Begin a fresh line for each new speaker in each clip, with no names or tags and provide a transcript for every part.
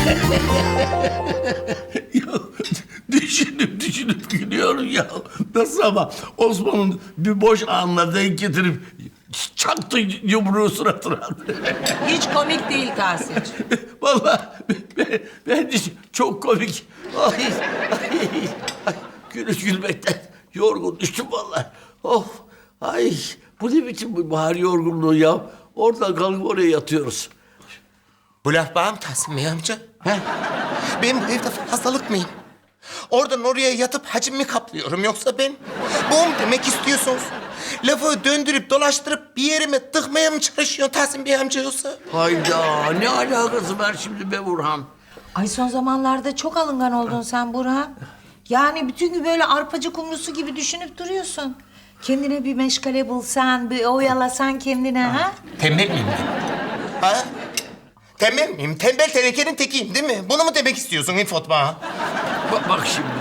Ya, düşünüp gülüyorum ya. Nasıl ama Osman'ın bir boş anla denk getirip çaktı yumruğu suratına.
Hiç komik değil Tahsin'cim.
Vallahi bence çok komik. Ay, gülmekten yorgun düştüm vallahi. Of, ay bu ne biçim bu bahar yorgunluğu ya? Oradan kalkıp oraya yatıyoruz.
Bu laf bana mı Tahsin Bey amca?
He?
Ben bu evde fazlalık mıyım? Oradan oraya yatıp hacim mi kaplıyorum yoksa ben? Bu mu demek istiyorsunuz? Lafı döndürüp dolaştırıp bir yerime tıkmaya mı çalışıyorsun Tahsin Bey amca yoksa?
Hayda, ne alakası var şimdi be Burhan?
Ay son zamanlarda çok alıngan oldun sen Burhan. Yani bütün gün böyle arpacı kumrusu gibi düşünüp duruyorsun. Kendine bir meşgale bulsan, bir oyalasan kendine ha?
Tembel miyim ben? Ha? Tembel miyim? Tembel tenekenin tekiyim değil mi? Bunu mu demek istiyorsun İfot bana?
Bak şimdi.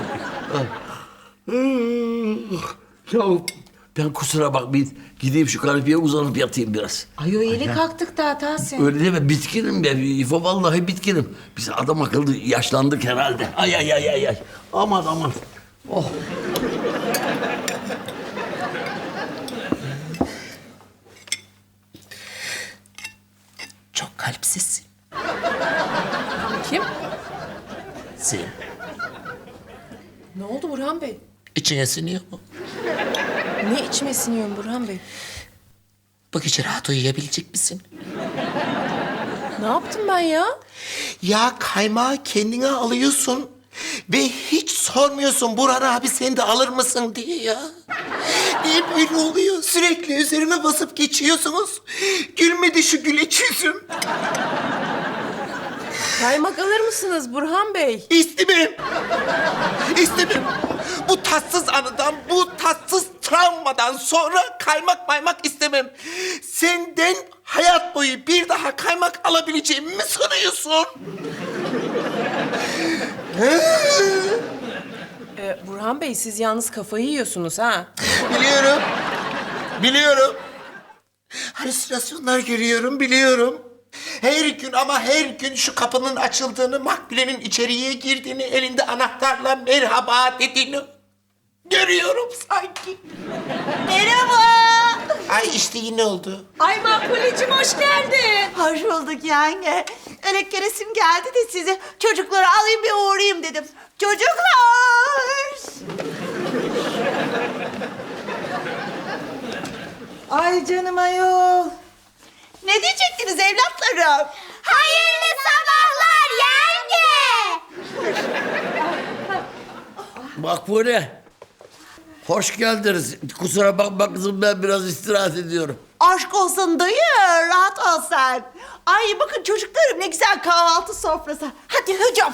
Ya ben kusura bakmayın. Gideyim şu kanepeye uzanıp yatayım biraz.
Ay o yeni kalktık daha Tahsin.
Öyle deme, bitkinim ben. İfo vallahi bitkinim. Biz adam akıllı yaşlandık herhalde. Ay. Aman. Oh.
Çok kalpsizsin.
Kim?
Sen.
Ne oldu Burhan Bey?
İçine siniyor mu?
Ne içime siniyorum Burhan Bey?
Bu gece rahat uyuyabilecek misin?
Ne yaptım ben ya?
Ya kaymağı kendine alıyorsun ve hiç sormuyorsun Burhan abi sen de alır mısın diye ya. Niye böyle oluyor? Sürekli üzerime basıp geçiyorsunuz. Gülmedi şu güleç yüzüm.
Kaymak alır mısınız Burhan Bey?
İstemem. Bu tatsız anıdan, bu tatsız travmadan sonra kaymak maymak istemem. Senden hayat boyu bir daha kaymak alabileceğimi mi sanıyorsun?
Burhan Bey siz yalnız kafayı yiyorsunuz ha?
Biliyorum. Halüsinasyonlar görüyorum, biliyorum. Her gün şu kapının açıldığını, Makbule'nin içeriye girdiğini, elinde anahtarla merhaba dediğini görüyorum sanki.
Merhaba.
Ay işte yine oldu.
Ay Makbule'cim hoş geldin. Hoş bulduk yenge. Öyle keresim geldi de sizi çocukları alayım bir uğrayayım dedim. Çocuklar.
Ay canım ayol.
Ne diyecektiniz evlatlarım?
Hayırlı sabahlar yenge.
Makbule. Hoş geldiniz. Kusura bakma kızım, ben biraz istirahat ediyorum.
Aşk olsun dayı, rahat ol sen. Ay bakın çocuklarım ne güzel kahvaltı sofrası. Hadi hücum.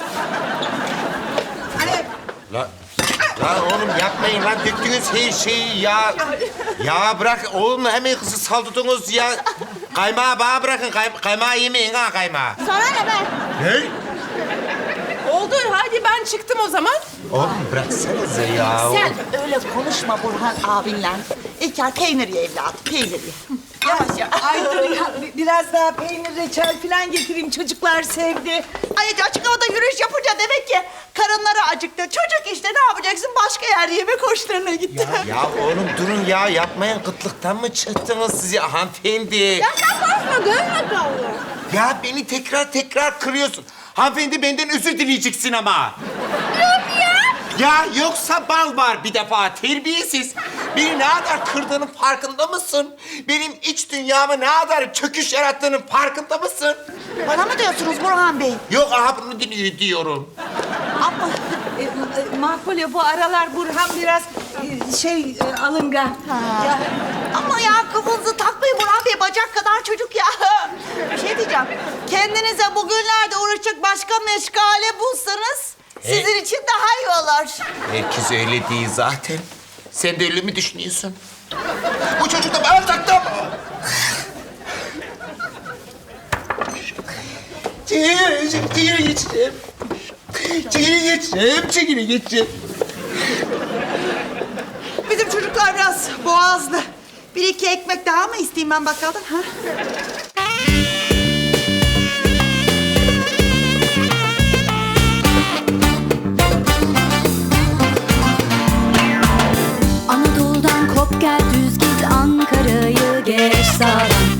Hadi.
Lan oğlum yapmayın lan, döktünüz her şeyi ya. Ya bırak oğlum, hemen kızı saldırdınız ya. Kaymağı bana bırakın, kaymağı yemeyin ha kaymağı.
Sana ne be?
Ne?
Oldu hadi ben çıktım o zaman.
Oğlum bıraksanıza ya.
Sen öyle konuşma Burhan abinle. İlker peynir ye evladım, peynir ye. Yavaş ya.
Ay dur ya, biraz daha peynir, reçel falan getireyim. Çocuklar sevdi.
Ay açık havada yürüyüş yapınca demek ki karınları acıktı. Çocuk işte ne yapacaksın? Başka yer yemek hoşlarına gitti.
Ya oğlum durun ya, yapmayın. Kıtlıktan mı çıktınız siz ya hanımefendi?
Ya sen konuşma, görme kalıyor.
Ya beni tekrar kırıyorsun. Hanımefendi benden özür dileyeceksin ama. Yok ya. Ya yoksa bal var bir defa, terbiyesiz. Beni ne kadar kırdığının farkında mısın? Benim iç dünyamı ne kadar çöküş yarattığının farkında mısın?
Bana mı diyorsunuz Burhan Bey?
Yok aha bunu diyorum.
Ama
Makbule bu aralar Burhan biraz alıngan.
ya, ama ya kafanızı takmayın Burhan Bey, bacak kadar çocuk ya. Bir şey diyeceğim. Kendinize bugünlerde uğraşacak başka meşgale bulsanız sizin için daha iyi olur.
Herkes öyle değil zaten. Sen de öyle mi düşünüyorsun? Bu çocuk da bana taktı ama. Çekili geçeceğim.
Bizim çocuklar biraz boğazlı. Bir iki ekmek daha mı isteyeyim ben bakkaldan? Ha?
Ankara'yı geç sağdan